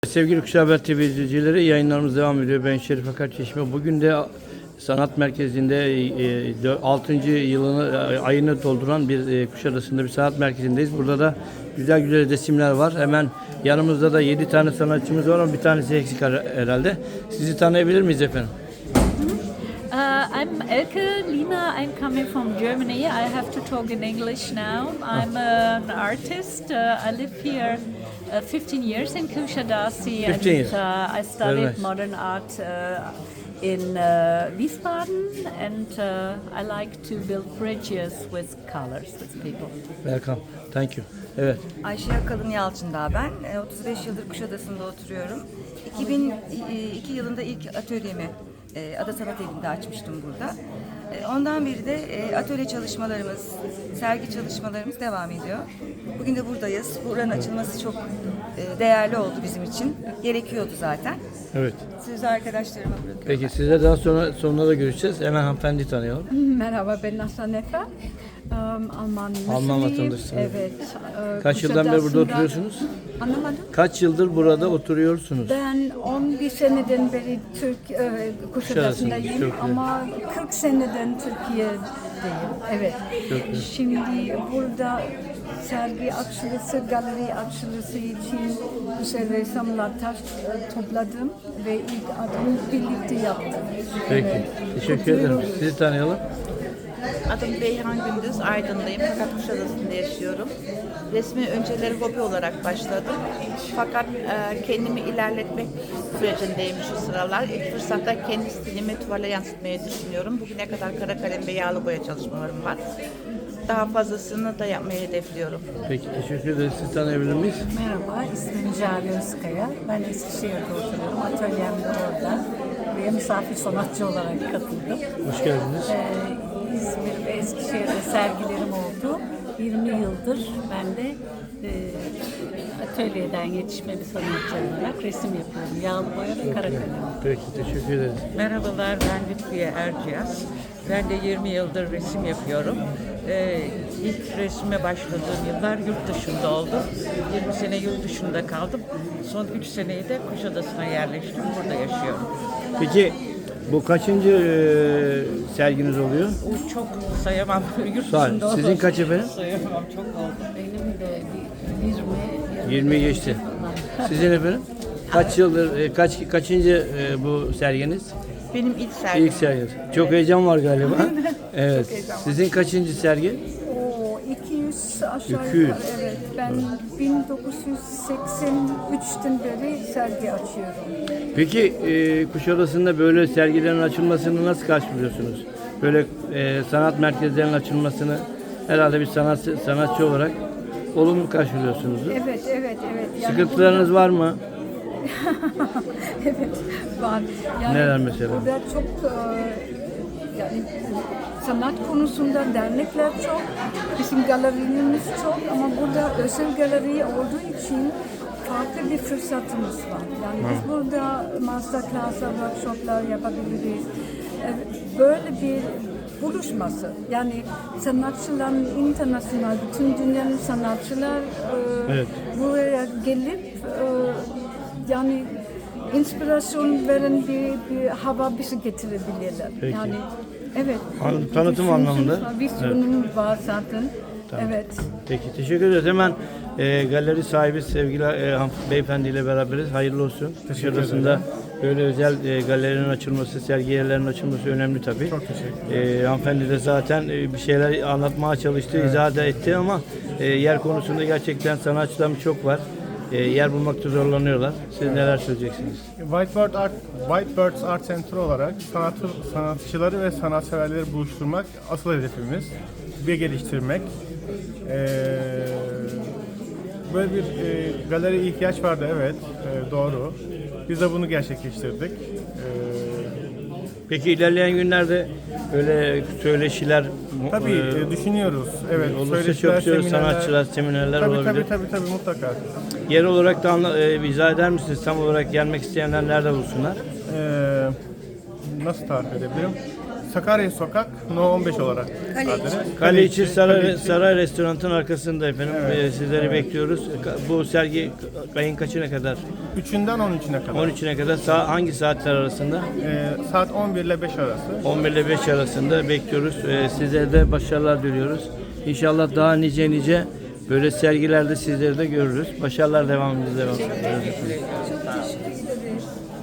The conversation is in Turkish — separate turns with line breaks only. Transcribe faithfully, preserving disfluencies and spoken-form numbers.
Sevgili Kuşağı Haber T V izleyicileri, yayınlarımız devam ediyor. Ben Şerif Akar Çeşme. Bugün de sanat merkezinde altıncı yılını ayını dolduran bir Kuşadası'nda bir sanat merkezindeyiz. Burada da güzel güzel resimler var. Hemen yanımızda da yedi tane sanatçımız var ama bir tanesi eksik herhalde. Sizi tanıyabilir miyiz efendim?
Uh, I'm Elke Lina. I'm coming from Germany. I have to talk in English now. I'm an artist. Uh, I live here uh, fifteen years in Kusadasi, and
years.
uh, I studied
nice.
modern art uh, in uh, Wiesbaden, and uh, I like to build bridges with colors with people.
Welcome. Thank you. Evet.
Ayşe Yakalın Yalçındağ ben. otuz beş yıldır Kuşadası'nda oturuyorum. iki bin iki yılında ilk atölyemi Ada Sanat Evi'nde açmıştım burada. Ondan beri de atölye çalışmalarımız, sergi çalışmalarımız devam ediyor. Bugün de buradayız. Buranın açılması çok değerli oldu bizim için. Gerekiyordu zaten.
Evet.
Sözü arkadaşlarıma bırakıyorum.
Peki sizle daha sonra sonuna da görüşeceğiz. Hemen hanımefendi tanıyalım.
Merhaba, ben Aslan Efe. Um, Alman
Alman
Müslüyüm.
vatandaşısınız.
Evet. e,
Kaç yıldan beri burada
Kuşadası'nda-
oturuyorsunuz?
Anlamadım.
Kaç yıldır burada oturuyorsunuz?
Ben on bir seneden beri Türk e, Kuşadası'ndayım
Çok iyi.
ama kırk seneden Türkiye'deyim. Evet.
Çok iyi.
Şimdi burada sergi açılışı, galeri açılışı için güzel resimler taş e, topladım ve ilk adımı birlikte yaptım.
Peki.
Evet.
Teşekkür ederim.
Kutluyoruz.
Sizi tanıyalım.
Adım Beyhan Gündüz, Aydın'dayım fakat Kuşadası'nda yaşıyorum. Resmi önceleri hobi olarak başladım. Fakat e, kendimi ilerletmek sürecindeyim şu sıralar. İlk fırsatta kendi stilimi tuvale yansıtmayı düşünüyorum. Bugüne kadar kara kalem ve yağlı boya çalışmalarım var. Daha fazlasını da yapmayı hedefliyorum.
Peki teşekkür ederiz. Sizi tanıyabilir miyiz?
Merhaba, ismim Cale Özkaya. Ben Eskişehir'de oturuyorum. Atölyem de orada. Buraya misafir sanatçı olarak katıldım.
Hoş geldiniz.
Ee, İzmir ve Eskişehir'de sergilerim oldu. yirmi yıldır ben de e, atölyeden yetişme bir sanatçı olarak resim yapıyorum. Yağlı boya ve kara kalem.
Peki teşekkür ederiz.
Merhabalar, ben Lütfiye Erciyes. Ben de yirmi yıldır resim yapıyorum. Ee, ilk resme başladığım yıllar yurt dışında oldu. yirmi sene yurt dışında kaldım. Son üç seneyi de Kuşadası'na yerleştim. Burada yaşıyorum.
Peki bu kaçıncı e, serginiz oluyor?
O çok sayamam. Yurt
Sağ olun.
dışında
Sizin
oldu.
kaç efendim?
Sayamam, çok oldu.
Benim de bir yirmi,
yirmi geçti. Sizin efendim? Kaç yıldır, e, kaç kaçıncı e, bu serginiz?
Benim ilk sergim.
İlk sergi. Çok heyecan var galiba. Evet. Sizin kaçıncı sergi?
O iki yüz aşağı
iki yüz.
yukarı, evet. Ben bin dokuz yüz seksen üçten beri sergi açıyorum.
Peki e, Kuşadası'nda böyle sergilerin açılmasını nasıl karşılıyorsunuz? Böyle e, sanat merkezlerinin açılmasını herhalde bir sanatçı, sanatçı olarak olumlu karşılıyorsunuz.
Evet, evet, evet. Yani
Sıkıntılarınız var mı?
evet, var. Yani
Neler mesela?
Burada çok e, yani sanat konusunda dernekler çok, bizim galerimiz çok ama burada özel galeri olduğu için farklı bir fırsatımız var. Yani biz burada masterclass'lar, workshoplar yapabiliriz. E, Böyle bir buluşması. Yani sanatçıların internasyonel, bütün dünyanın sanatçılar e,
Evet.
buraya gelip e, yani inspirasyon veren bir, bir hava bizi getirebilirler.
Peki.
Yani evet.
An-
bir
tanıtım
düşünsün-
anlamında.
Vizyonum var zaten. Evet.
Peki teşekkür ederiz. Hemen e, galeri sahibi sevgili e, han- beyefendiyle beraberiz. Hayırlı olsun. Kuşadası'nda böyle özel e, galerinin açılması, sergi yerlerinin açılması önemli tabii. Çok teşekkür ederim. E, hanımefendi de zaten e, bir şeyler anlatmaya çalıştı, izah da etti ama e, yer konusunda gerçekten sanatçılarımız çok var. E, yer bulmakta zorlanıyorlar. Siz neler söyleyeceksiniz?
Whitebird Art, Whitebirds Art Center olarak sanatı, sanatçıları ve sanatseverleri buluşturmak asıl hedefimiz ve geliştirmek. Ee, böyle bir e, galeriye ihtiyaç vardı, evet, e, doğru. Biz de bunu gerçekleştirdik. Ee,
Peki ilerleyen günlerde böyle söyleşiler mu-
tabii
e,
e, düşünüyoruz. Evet,
olursa
söyleşiler,
çok güzel
seminerler-
sanatçılar, seminerler
tabii,
olabilir.
Tabii tabii tabii mutlaka.
Yer olarak da anla, e, izah eder misiniz? Tam olarak gelmek isteyenler nerede bulsunlar?
Ee, nasıl tarif edebilirim? Sakarya Sokak No on beş olarak adres.
Kaleiçi Saray,
Kaleiçi.
Saray Restoran'ın arkasında efendim. Ee, sizleri bekliyoruz. Ka- Bu sergi k- ayın kaçına kadar?
üçünden on üçüne kadar.
on üçüne kadar. Sa- hangi saatler arasında?
Ee, saat on bir ile beş arası.
on bir ile beş arasında bekliyoruz. Ee, sizlere de başarılar diliyoruz. İnşallah daha nice nice böyle sergilerde sizleri de görürüz. Başarılar devamımız devam ediyoruz.
Çok teşekkür ederim.